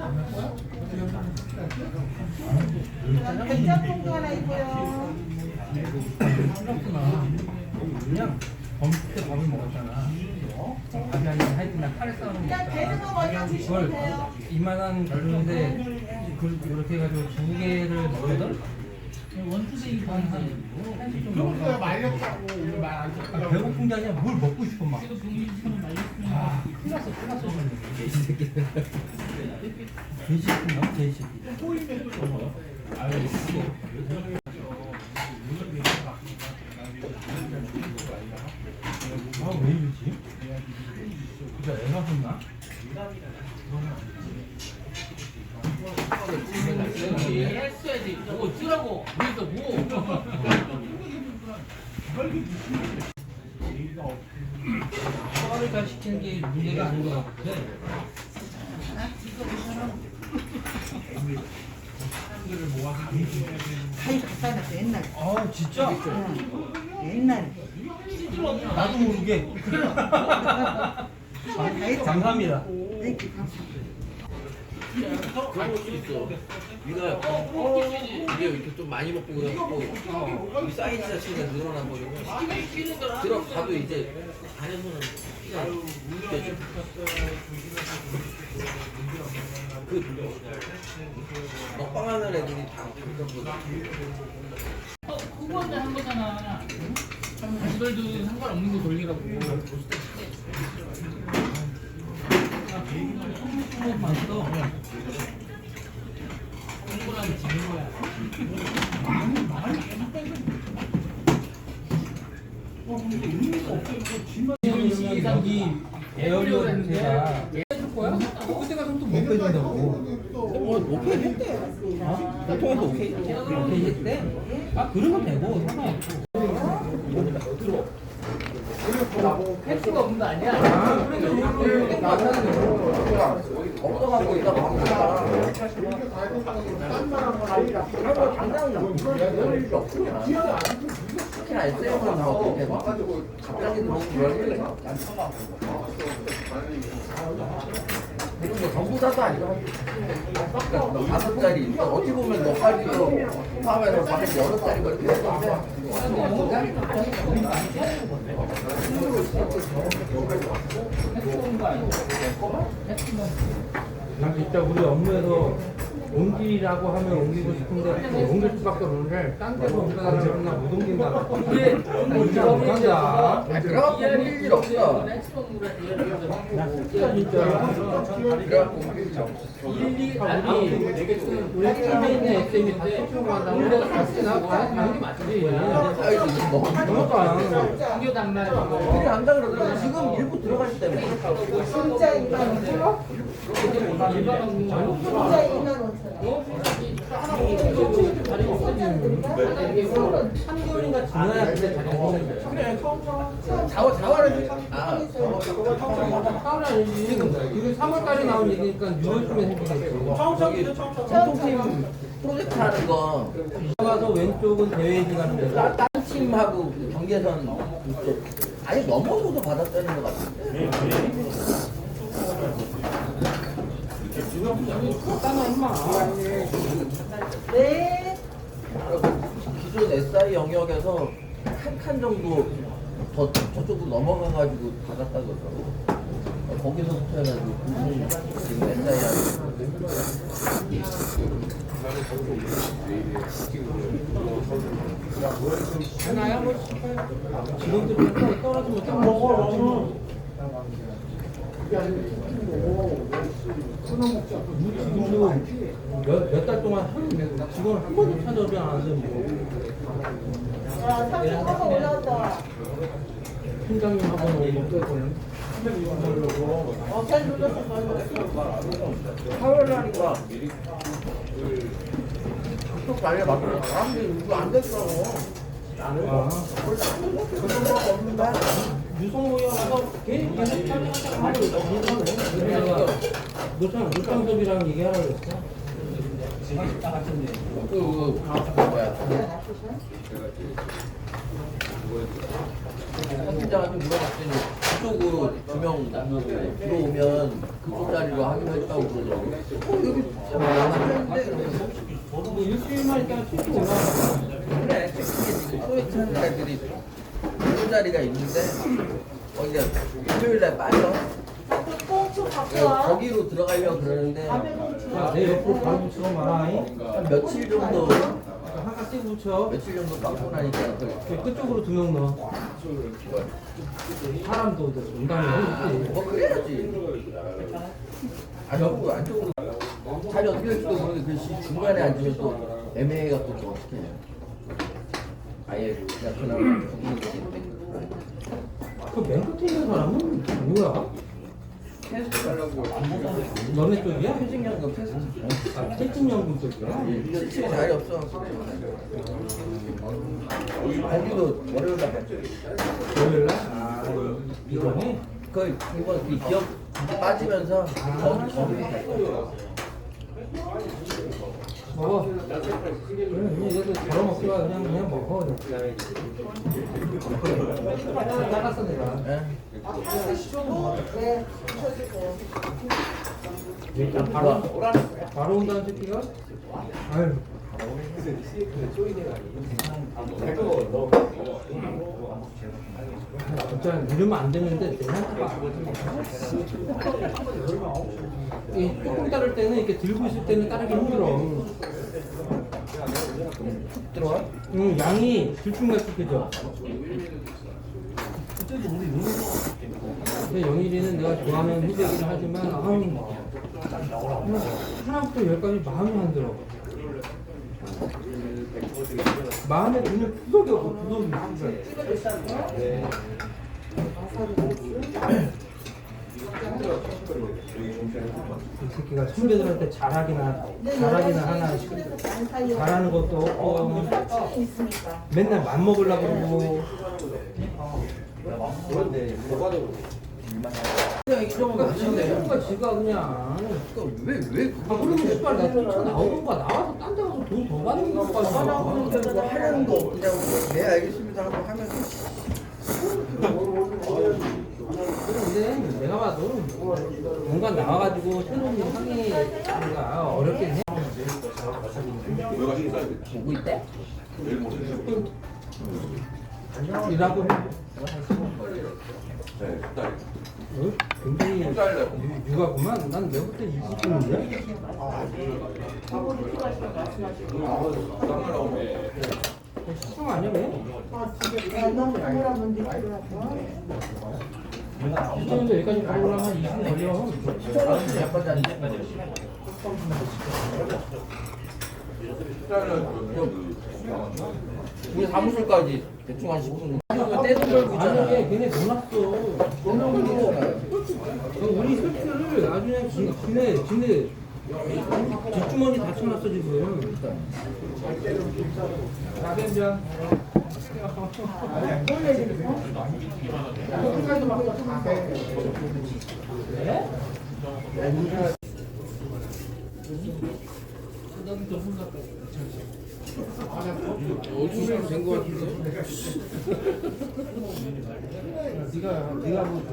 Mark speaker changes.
Speaker 1: 된장국도 하나 있고요.
Speaker 2: 그냥 범때 밥을 먹었잖아. 밥이 아니라 하여튼 난 카레 싸우는 거
Speaker 1: 그냥 되는 거 먼저 드시면 돼요.
Speaker 2: 이만한 그릇인데 이렇게 해가지고 두 개를 먹거든? 원투데이 한좀 먹어.
Speaker 3: 말렸다고 우리 말안 듣다고.
Speaker 2: 배고픈 게 아니라 뭘 먹고 싶어 막. 아, 큰일 났어. 이 새끼들. 돼지새끼인가? 돼지새끼. 아유, 씨. 아, 왜 이러지? 진짜 애가 혼나?
Speaker 4: 했어야지. 뭐 어쩌라고. 그래서 뭐.
Speaker 2: 소화를 잘 시키는 게 문제가 아닌 것 같아.
Speaker 1: 가위 갖다 놨어 옛날에.
Speaker 2: 아, 진짜?
Speaker 1: 옛날에.
Speaker 2: 나도 모르게. 감사합니다.
Speaker 4: 그런 것도 있어. 네가 이게 이렇게 좀 많이 먹고 그래갖고 이 사이즈 자체가 늘어나 버리고 들어가도 이제 안에서는 피가 느껴져. 그 먹방하는 애들이 다 그런 거.
Speaker 5: 후보한테 한 거잖아. 이걸도 상관없는 거 돌리라고.
Speaker 2: 맛있어.
Speaker 5: 홍보라면 지는 거야.
Speaker 2: 여기 에어리어 냄새가
Speaker 5: 해줄 거야?
Speaker 2: 그때 가서 또 못 빼준다고.
Speaker 4: 뭐 오케이 했대. 보통에도 오케이 했대.
Speaker 2: 오케이 했대? 아, 그러면 되고 상관없고.
Speaker 5: 할 수가 없는 거 아니야?
Speaker 4: 없어갖고 이따 먹다가 당장 그럴 일이 없으냐. 특히나 SM은 나오고 갑자기 너무 그럴 일 그리고 뭐 전부 다도 아니고 5짜리 어찌 보면 몇 가지로 포함해서 밖에 여러 짜리가 이렇게 됐는데
Speaker 2: 난 진짜 우리 업무에서 옮기라고 하면 옮기고 싶은데 옮길 수밖에 없는데 딴 데로 옮겨달라면 나 못 옮긴다.
Speaker 5: 그래.
Speaker 2: 진짜 못한다.
Speaker 4: 그래갖고 옮길 일 없어.
Speaker 2: 나 진짜
Speaker 4: 그래갖고 옮길 일 없어.
Speaker 2: 우리 팀에 있는 SM이 다 소통을 한다고 우리가 같이 가는 게 맞지.
Speaker 4: 아이고 뭐
Speaker 2: 그러니까
Speaker 5: 이겨 단말이야.
Speaker 4: 그래 한다 그러더라고. 지금 일부 들어갈 때문에
Speaker 1: 진짜 2만 5천 원? 진짜 2만 5천 원.
Speaker 2: 3개월인가 지나야 그때 자리 오는 거야.
Speaker 4: 자활을
Speaker 2: 사월 아니지. 지금 3월달에 나온 얘기니까 6월쯤에 생기겠지.
Speaker 4: 저기 전통팀 프로젝트 하는 거
Speaker 2: 가서 왼쪽은 대회지 가는 데서
Speaker 4: 딴 팀하고 그 경계선 이쪽 아니 넘어서도 받았다는 것 같은데.
Speaker 1: 네.
Speaker 4: 기존 SI 영역에서 한 칸 정도 더 저쪽으로 넘어가가지고 받았다 그러더라고. 거기서부터 해가지고 무슨 지금 SI하고
Speaker 2: 하나야 뭐 지금도 떨어지면 딱 먹어. 지금도 몇 달 동안 직원 한 번도 찾아오지 않았는데 뭐
Speaker 1: 야, 30% 올라왔다.
Speaker 2: 팀장님하고 오고
Speaker 1: 잘 눌렀어, 잘 눌렀어.
Speaker 4: 화요일 하니까 또 관리가 맞더라고. 사람들이 이거 안 됐어.
Speaker 2: 아, 유성호에 와서 계속 촬영하자고 하고 노창섭이랑 얘기하라고 했어.
Speaker 4: 그 뭐야? 팀장한테 물어봤더니 그쪽으로 2명 들어오면 그쪽 자리로 하기로 했다고 그러더라고. 여기
Speaker 2: 뭐 일주일만 있다가 튀고 올라가.
Speaker 4: 그래, 지금 소위 찾는 애들이 두 자리가 있는데 거기가 일요일날 빠져.
Speaker 1: 꽁초 갖고 와.
Speaker 4: 거기로 들어가려고 그러는데
Speaker 1: 밤에 꽁초.
Speaker 2: 야, 내 옆으로 바로 붙이고 말아잉.
Speaker 4: 한 며칠 정도
Speaker 2: 한가 찍어 붙여.
Speaker 4: 며칠 정도 빠고 나니까 그
Speaker 2: 끝쪽으로 2명 넣어. 사람도 농담이 하지.
Speaker 4: 뭐 그래야지. 안쪽으로 안쪽으로 자리 어떻게 될지도 모르는데 그 중간에 앉으면 또 애매해갖고 또 어떻게 해요? 아예 그냥 그나마 죽는 게
Speaker 2: 그맨 끝에 있는 사람은 뭐야?
Speaker 4: 테스트 하려고
Speaker 2: 너네 쪽이야?
Speaker 4: 퇴직연금 테스트.
Speaker 2: 아, 퇴직연금 쪽이야?
Speaker 4: 실제 자리 없어. 거기도 월요일날 봤죠.
Speaker 2: 월요일날? 아, 이번에?
Speaker 4: 그 이번 그 기업 빠지면서 거기
Speaker 2: 먹어. 그래, 이제도 덜어 먹기가 그냥 먹어. 따랐어, 내가.
Speaker 4: 예.
Speaker 1: 네, 주셔주세요.
Speaker 2: 일단 바로 온다는 새끼가? 아유. 진짜 이러면 안 되는데 이 조금 따를 때는 이렇게 들고 있을 때는 따르기 힘들어.
Speaker 4: 들어와?
Speaker 2: 응, 양이 들쭉날쭉해져. 근데 영일이는 내가 좋아하는 후배이긴 하지만 하나부터 열까지 마음이 안 들어. 마음에 드는 구석이 없어, 구석이. 이 새끼가 선배들한테 잘하기나 하나 잘하는 것도 없고
Speaker 1: 있으니까.
Speaker 2: 맨날 맘먹으려고 그러고.
Speaker 4: 그냥 이 정도 맞는데.
Speaker 2: 친구가 지가 그냥
Speaker 4: 왜왜
Speaker 2: 아 그러면 씨발 나 뛰쳐 나오는 거야. 나와서 딴 데 가서 돈 더 받는 거
Speaker 4: 뭐 하려는 거 없냐고. 네 알겠습니다 하고 하면
Speaker 2: 근데 내가 봐도 공간 나와가지고 새로운 일 하기가 어렵긴 해.
Speaker 4: 보고 있대?
Speaker 2: 일하고 해. 굉장히 육아구만. 난 내부터 20분인데. 시중 아니야 왜?
Speaker 1: 너무 카메라만 들더라고.
Speaker 2: 시중인데 여기까지 가려면 한 20분 걸려.
Speaker 4: 시청자는 약간 잔데. 우리 사무실까지 대충 한 10분. 떼돈 벌고 있잖아.
Speaker 2: 아니 걔네 놀랐어. 우리 설치를 나중에 지네 뒷주머니 다 쳐놨어 지금. 나된장. 네?
Speaker 4: 어디서 된거 같은데?
Speaker 2: 네가 뭐